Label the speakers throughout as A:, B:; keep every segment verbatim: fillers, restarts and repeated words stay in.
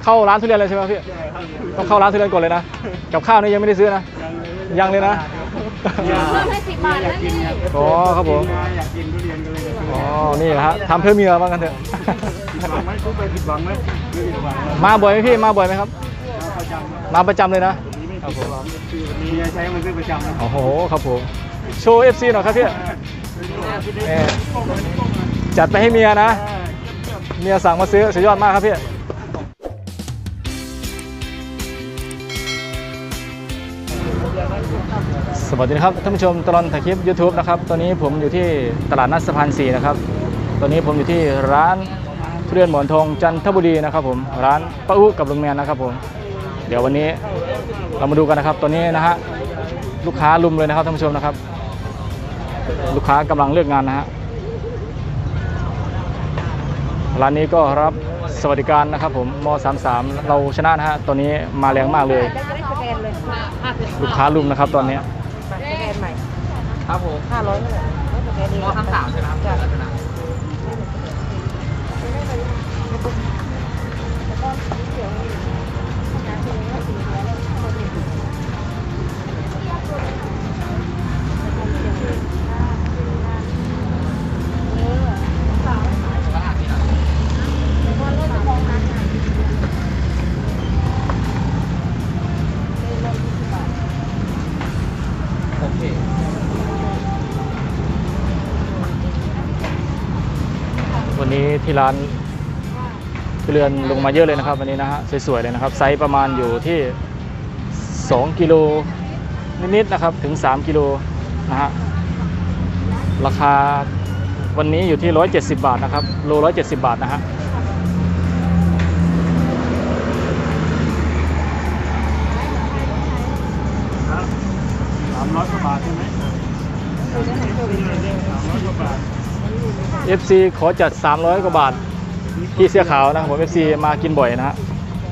A: เข้าร้านทุเรียนเลยใช่ไหมพี่ต้องเข้าร้านทุเรียนก่อนเลยนะกับข้าวนี่ยังไม่ได้ซื้อนะยังเลยนะ
B: เพิ่มให้สิบบาทแล้วนี่
A: อ๋อครับผม
C: อยากกินทุเรียนกันเลย
A: อ๋อนี่ฮะทำเพื่อเมียบ้างกันเถอะ
C: ผิดหวังไหมทุกไปผิดหวังไหมไม่ผิดหวัง
A: มาบ่อยไหมพี่มาบ่อยไหมครับ
C: ประจำ
A: มาประจำเลยนะ
C: ครับผมมีใช้มันซื้อประจำนะ
A: โอ้โหครับผมโชว์ เอฟ ซี หน่อยครับพี่จัดไปให้เมียนะเมียสั่งมาซื้อสุดยอดมากครับพี่สวัสดีครับท่านผู้ชมตลอดถ่ายคลิป ยูทูบ นะครับตอนนี้ผมอยู่ที่ตลาดนัดสะพานสี่นะครับตอนนี้ผมอยู่ที่ร้านทุเรียนหมอนทองจันทบุรีนะครับผมร้านป้าอุ๊กับลุงแมนนะครับผมเดี๋ยววันนี้เรามาดูกันนะครับตอนนี้นะฮะลูกค้าลุมเลยนะครับท่านผู้ชมนะครับลูกค้ากำลังเลือกงานนะฮะร้านนี้ก็รับสวัสดิการนะครับผมม สามสิบสามเราชนะนะฮะตอนนี้มาแรงมากเลยลูกค้าลุมนะครับตอนนี้
B: สแกนใหม่
C: ครับผม
B: ห้าร้อยเลยสแกนเอง
C: ม สามสิบสามใช่ไหมครับ
A: วันนี้ที่ร้านทุเรียนลงมาเยอะเลยนะครับวันนี้นะฮะสวยๆเลยนะครับไซส์ประมาณอยู่ที่สองกิโลนิดๆนะครับถึงสามกิโลนะฮะราคาวันนี้อยู่ที่หนึ่งร้อยเจ็ดสิบบาทนะครับโลหนึ่งร้อยเจ็ดสิบบาทนะฮะ
C: สามร้อยกว่าบาทใช่ไหมสามร้อยกว่าบาท
A: เอฟ ซี ขอจัดสามร้อยกว่าบาทที่เสื้อขาวนะครับผม เอฟ ซี มากินบ่อยนะฮะ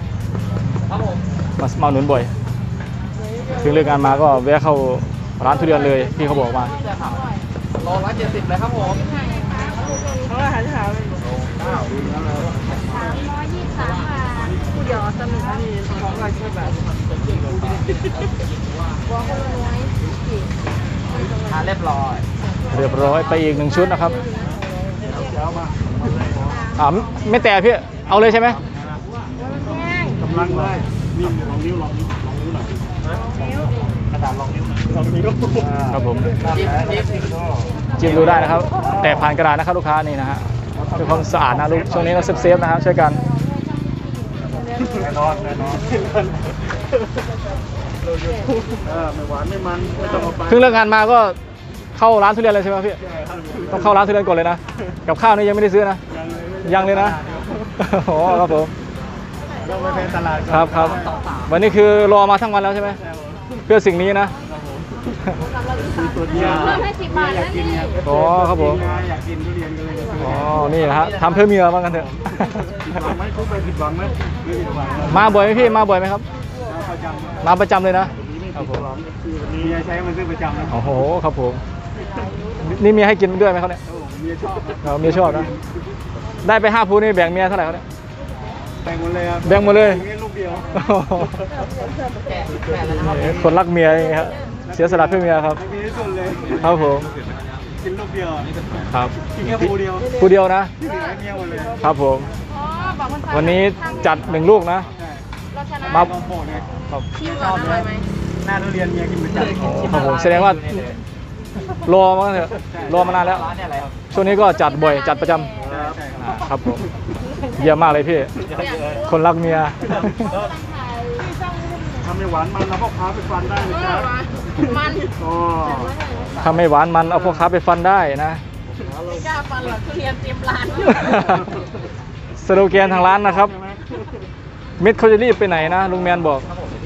A: มามาหนุนบ่อยถึงเลิกงานมาก็แวะเข้าร้านทุเรียนเลยที่เขาบอกมา
C: โลละเจ็ดสิบเลยครับผม
B: เขาอาหารเช้าเลยสามร้อยยี่สิบสามบาทผู้เดียวสมิงอันนี้สองร้อยสิบบาทบัวคนละน้อย
C: ทานเรียบร้อย
A: เรียบร้อยไปอีกหนึ่งชุดนะครับอ่าไม่แต่พี่เอาเลยใช่ไหม
C: กำลังเลยนี่ลองนิ้วลองนิ้วลองนิ้วหน่อยกระดาษลองนิ้วลองนิ้ว
A: ครับผมจิ้มดูได้นะครับแต่ผ่านกระดาษนะครับลูกค้านี่นะฮะเพื่อความสะอาดนะลูกช่วงนี้เราเซฟๆนะครับช่วยกัน
C: แน่นอนแน่นอนไม่หวานไม่มันไม่ต้องเอาไป
A: เพิ่งเลิกงานมาก็เข้าร้านทุเรียนเลยใช่ไหมพี่ต้องเข้าร้านทุเรียนก่อนเลยนะกับข้าวนี่ยังไม่ได้ซื้อนะยังเลยนะโอ้ครับผม
C: ต้องไปเป็นตลาด
A: ครับครับวันนี้คือรอมาทั้งวันแล้วใช่ไหมเพื่อสิ่งนี้นะ
C: ตัวเดียว
B: เพิ่มให้สิบบาทแล้วนี่
A: อ๋อครับผม
C: อยากกินทุเรียนกันเลย
A: อ๋อนี่ฮะทำเพื่อเมียบ้างกันเถอะ
C: ผิดหวังไหมทุกไปผิดหวังไหมไม่ผิดหวัง
A: มาบ่อยไหมพี่มาบ่อยไหมครับ
C: ประจำ
A: มาประจำเลยนะ
C: ครับผมมีใช้มันซื้อประจำนะ
A: โอ้โหครับผมนี่มีให้กินด้วยไหมเขาเนี่ย
C: เมียชอบ
A: เราเมียชอบนะได้ไปห้าพูนี่แบ่งเมียเท่าไหร่เขาเนี่ย
C: แบ่งหมดเลยครับ
A: แบ่งหมดเลย
C: ลูกเดียว
A: คนรักเมียอย่างเงี้ยครับเสียสละเพื่อเมียครับ
C: มีที่สุดเลย
A: ครับผม
C: กินลูกเดียว
A: ครับ
C: กินแค่ผู้เดียว
A: ผู้เดียวนะ
C: ที่เหลือเมียหมดเลย
A: ครับผมวันนี้จัดหนึ่งลูกนะ
C: มาโปรดเลยชอบเลยหน้าทุเรียนเมียกินประจำ
A: ครับผมแสดงว่ารอมาเถอะรอมานานแล้วช่วงนี้ก็จัดบ่อยจัดประจำครับผมเยี่ยมมากเลยพี่คนรักเมีย
C: ทำไม่หวานมันเอาพวกค้าไปฟันได้เลยครับ
B: มัน
A: ทำไม่หวานมันเอาพวกค้าไปฟันได้นะ
B: ไม่กล้าฟันหรอกทุเรียนเต็มร้าน
A: สโลแกนทางร้านนะครับเม็ดเขาจะรีบไปไหนนะลุงแมนบอก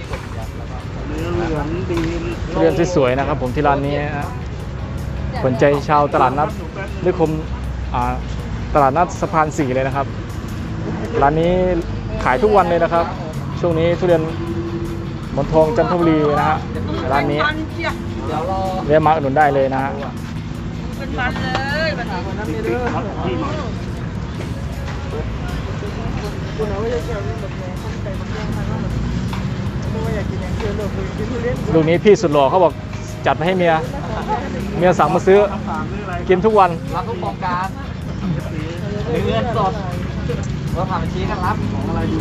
A: เรียนสวยๆนะครับผมที่ร้านนี้นะสนใจชาวตลาดนัดนิคมตลาดนัดสะพานสี่เลยนะครับร้านนี้ขายทุกวันเลยนะครับช่วงนี้ทุเรียนหมอนทองจันทบุรีนะฮะร้านนี้เรียกมาอุดหนุนได้เลยนะฮะ
B: เป็นมันเลยแบบนี้คนใส่มะเขือมาแล้วไม่ว่าอยากกินอย่างเดียวเลยกินทุเรียน
A: ลูกนี้พี่สุดหล่อเขาบอกจัดไปให้เมียเมียสั่งมาซื้อ
C: ถามเรื่องอะไร
A: กินทุกวัน
D: รับทุกโครงการหรือเงินสดเราผ่านบัญชีกันรับ
C: ของอะไรดู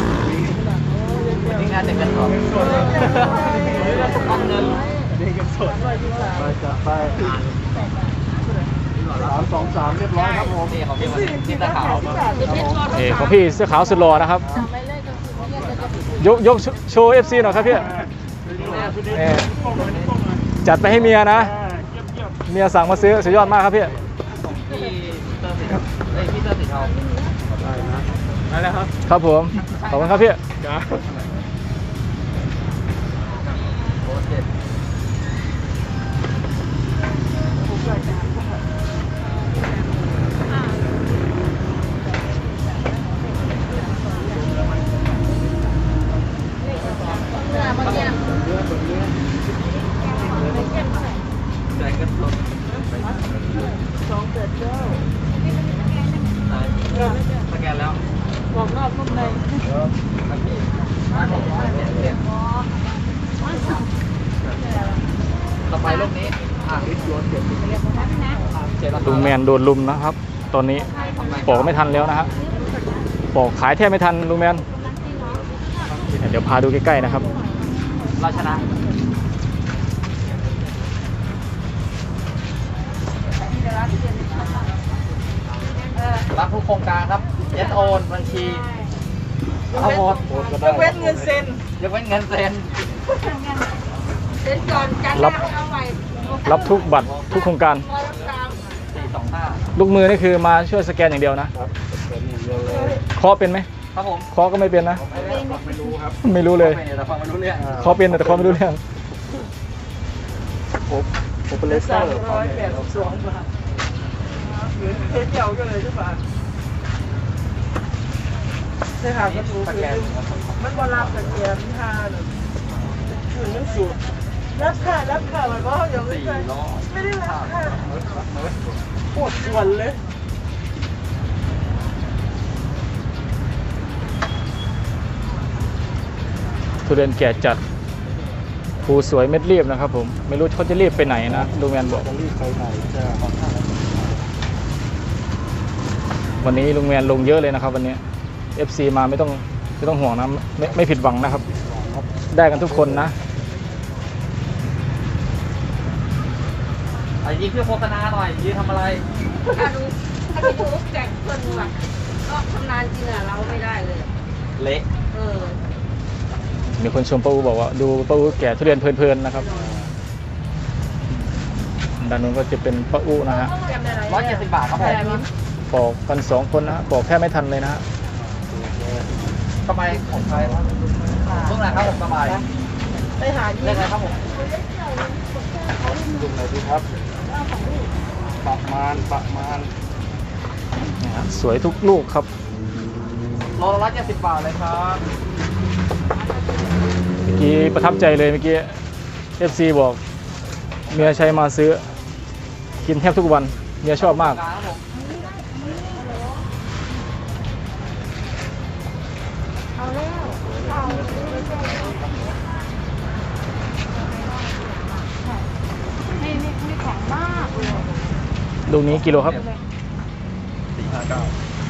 D: นี่งานเด็กกันสดต้องเงิน
C: เด็กกันสดไปจัดไปสามสองสามเรียบร้อยครับผม
D: นี่ของพี่มันที่ตะขาว
A: เอของพี่เสื้อขาวสุดหล่อนะครับ ยกยกโชว์ เอฟ ซี หน่อยครับพี่เออจัดไปให้เมียนะ เมียสั่งมาซื้อสุดยอดมากครับพี่
D: พี่เตอร์สีเฮ้ยพี่เตอร์สีเทา
C: ได้นะได้แล้วครับ
A: ครับผม ขอบคุณครับพี่
C: จ้า
D: โอ้เจ็ด
B: เนื้อบางอย่าง
D: แจกกันสด
B: สองเจ็ดเก้า
D: สแกนแล้ว
B: บอกนอกนุ่มใน
D: ครับพี่ต่อไปรูปนี้อ่ะวิทย์โยนเจ็ดเจ็ดแล้ว
A: ลุงแมนโดนลุมนะครับ ตอนนี้ปอกไม่ทันแล้วนะฮะปอกขายแทบไม่ทันลุงแมน เดี๋ยวพาดูใกล้ๆนะครับ
D: เราชนะรับทุกโครงการครับเย็นโอนบัญชีเอาหมด
B: ยกเว้นเงินเซ็น
D: ยกเว้นเงินเซ็น
B: เซ็นก่อนกัน
A: รับ
B: เอาใหม่
A: รับทุกบัตรทุกโครงการ
B: ร้อยกลาง
D: สี่สองห้า
A: ลูกมือนี่คือมาช่วยสแกนอย่างเดียวนะ
C: ครับเป็นอย่างเดียวเลย
A: เคาะเป็นไหม
D: ครับผม
A: เคาะก็ไม่เป็นนะ
C: ไม่รู้ครับ
A: ไม่รู้เลย
D: ไม่แต่ฟังไม่รู้เรื่อง
A: เคาะเป็นแต่เคาะไม่รู้เรื่อง
C: ผมผมเป็นเลสเตอ
B: สาม
C: ร์
B: ร้อยแปดสิบสองบาทเงินเที่ยวก็เลยใช่ปะใช่ค่ะก็ถูกคือมันบอรับแต่เกียร์ท่าหนึ่งถึงยังสูตรรับค่ะรับค่ะมันก็ยังไม่
D: สี่
B: ใช่
D: ร้อย
B: ไม่ได้รับค่ะปวดส่วนเลย
A: ทุเรียนแก่จัดภูสวยเม็ดรีบนะครับผม ไม่รู้เขาจะรีบไปไหนนะลุงแมนบอก
C: จะรีบไปไหนจะ
A: วันนี้ลุงแมนลงเยอะเลยนะครับวันนี้ เอฟ ซี มาไม่ต้องไม่ต้องห่วงนะไม่ไม่ผิดหวังนะครับ ได้กันทุกคนนะ
D: ไอ้ยี่คือโฆษณาหน่อยยืนทำอะไร
B: ถ้าดูถ้าไปดูแจกเพื่อนว่ะก็ทำนานจริงอ่ะเราไม่ได้เลย
D: เละ
B: เออ
A: มีคนชมป้าอูบอกว่าดูป้าอูแก่ทุเรียนเพลินๆนะครับด้านนู้นก็จะเป็นป้าอูนะฮะ
D: ร้อยเจ็ดสิบบาทครับผม
A: ปอกกันสองคนนะฮะปอกแค่ไม่ทันเลยนะฮะ
D: สบายของใครครับเมื่อไหร่ครับผมสบาย
B: ไปหา
D: เรื่องอะไรครับผม
C: ดูไหนดีครับประมาณประมาณ
A: นี่ฮะสวยทุกลูกครับ
D: โลละร้อยเจ็ดสิบบาทเลยครับ
A: เมื่อกี้ประทับใจเลยเมื่อกี้ เอฟ ซี บอกเมียใช้มาซื้อ กินแทบทุกวันเมียชอบมาก
D: ครับผม
B: เอาแล้วเอาไม่ไม่ไม่แข็งมากเลย
A: ลูกนี้กิโลครับ
D: สี่ห้าเก้า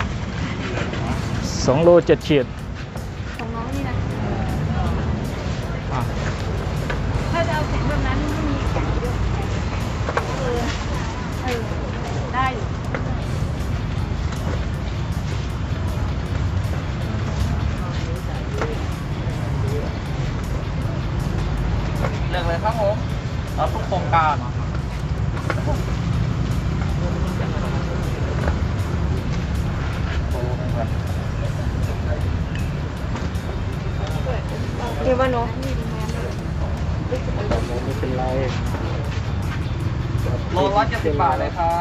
A: สองโลเจ็ดขีด
B: ของน้องนี่นะ
A: อ่ะ
B: ถ้าจะเอาแข็งแบบนั้นไม่มีแข็งด้วยเออเออได้อยู่
D: เรื่องเลยครับผมรับทุกโครงการโอ้โห
B: เดี๋ยวว่าน้อง
C: ไม่เป็นไร
D: โลละร้อยเจ็ดสิบบาทเลยครับ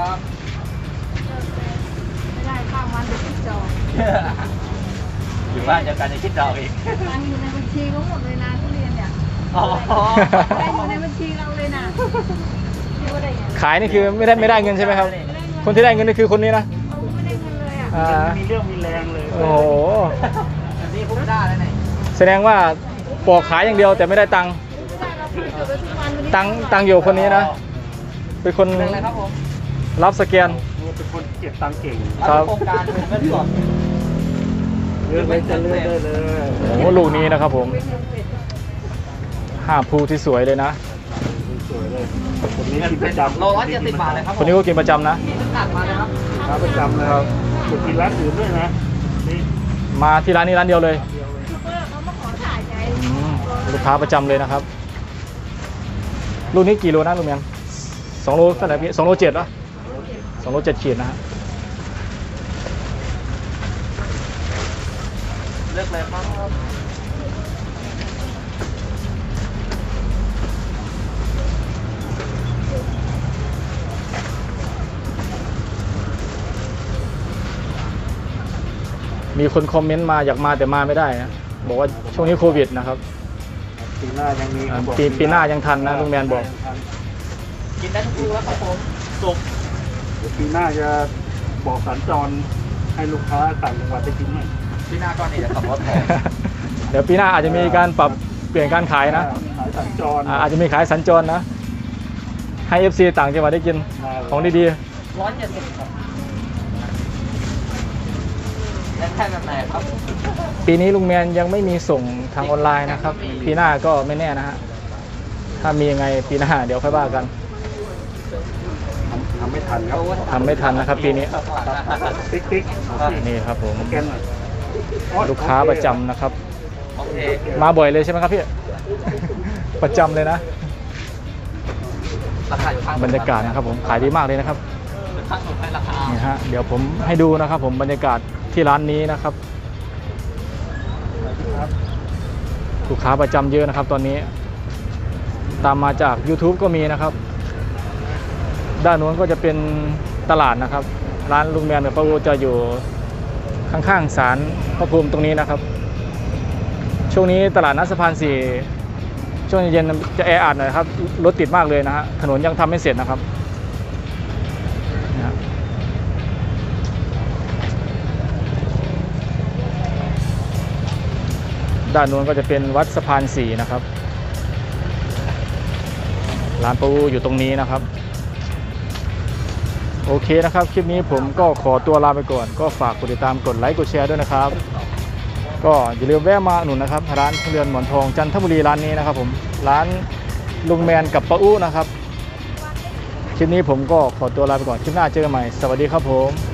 B: ไม่ได้ข้ามวันเดี๋ยวติดจอง
D: อยู่บ้านเดียวกันจะคิดดอกอีก
B: ตังค์อยู่ในบัญชีเขาหมดเลยนะทุเรียนเนี่ย
D: อ๋อ
B: ได้อยู่ในบัญชีเราเลยนะคิดว่าได้ไง
A: ขายนี่คือไม่ได้ไม่ได้เงินใช่ไหมครับ คนที่ได้เงินนี่คือคนนี้นะ
B: เขาไม่ได้เงินเลยอ่ะ
A: อ่า
C: มีเรื่องมีแรงเลย
A: โอ้โห
D: นี่ปุ๊บได้แล้วเนี่ย
A: แสดงว่าปอกขายอย่างเดียวแต่ไม่ได้ตังค์ตังค์ตังค์อยู่คนนี้นะ เป็นคน
D: เป็นอะไรครับผม
A: รับสแกน
C: เป็นคนเก็บตังค์เก่ง
A: ครับ
D: โครงการเป็นเงินสด
C: เลือกเลยจะเลือกได้เลย
A: โอ้โหลูกนี้นะครับผมห้าภูที่สวยเลยนะ
C: สวยเลยคนนี้กินประจำ
D: โลละเจ็ดสิบบาทเลยครับ
A: คนนี้ก็กินประจำนะ
D: ที่ตัดมาเลยครับ
C: ค้าประจำเลยจุดกินร้านอื่นด้วยนะนี่
A: มาที่ร้านนี้ร้านเดียวเลย
C: เดียวเลย
B: เขามาขอถ่ายไง
A: อืมลูกค้าประจำเลยนะครับลูกนี้กี่โลนะลุงแมนสองโลเท่าไหร่พี่สองโลเจ็ดเหรอสองโลเจ็ดขีดนะฮะ
D: เลือกเลยครับ
A: มีคนคอมเมนต์มาอยากมาแต่มาไม่ได้นะบอกว่าช่วงนี้โควิดนะครับ
C: ปีหน้ายังมี
A: อ่าปีปีหน้ายังทันนะลุงแมนบอก
D: กินได้ทุกลูกแล้วครับผมสุก
C: เดี๋ยวปีหน้าจะบอกสัญจรให้ลูกค้าต่างจังหวัดได้กินไหม
D: พี่หน้าก้อนนี้จะขับรถแทน
A: เดี๋ยวปีหน้าอาจจะมีการปรับเปลี่ยนการขายนะ
C: ขายสัญจร
A: อ่าอาจจะมีขายสัญจรนะ ให้ เอฟ ซี ต่างจังหวัดได้กินของดี
D: ร้อยเจ็ดสิบครับแล้วแค่แบบไหนครับ
A: ๆ ปีนี้ลุงแมนยังไม่มีส่งทางออนไลน์นะครับ ปีหน้าก็ไม่แน่นะฮะ ถ้ามียังไงปีหน้าเดี๋ยวค่อยว่ากัน
C: ทำไม่ทันครับ
A: ทำไม่ทันนะครับปีนี้
C: ติ๊กติ๊ก
A: นี่ครับผม
C: สแกนหน่อย
A: ลูกค้าประจำนะครับ
D: โอเค
A: มาบ่อยเลยใช่ไหมครับพี่ ประจำเลยนะ
D: ราคาอยู่ข้าง
A: บรรยากาศนะครับผมขายดีมากเลยนะครับ
D: ข้างสุดให้ราคา
A: นี่ฮะเดี๋ยวผมให้ดูนะครับผมบรรยากาศที่ร้านนี้นะครับลูกค้าประจำเยอะนะครับ ตอนนี้ ตามมาจาก YouTube ก็มีนะครับ ด้านนู้นก็จะเป็นตลาดนะครับ ร้านลุงแมนกับป้าอูจะอยู่ข้างๆศาลพระภูมิตรงนี้นะครับ ช่วงนี้ตลาดนัดสะพานสี่ช่วงเย็นๆจะแออัดหน่อยครับรถติดมากเลยนะฮะถนนยังทำไม่เสร็จนะครับนะฮะด้านนู้นก็จะเป็นวัดสะพานสี่นะครับร้านป้าอูอยู่ตรงนี้นะครับโอเคนะครับคลิปนี้ผมก็ขอตัวลาไปก่อนก็ฝากกดติดตามกดไลค์กดแชร์ด้วยนะครับก็อย่าลืมแวะมาอุดหนุนนะครับร้านทุเรียนหมอนทองจันทบุรีร้านนี้นะครับผมร้านลุงแมนกับป้าอู้นะครับคลิปนี้ผมก็ขอตัวลาไปก่อนคลิปหน้าเจอกันใหม่สวัสดีครับผม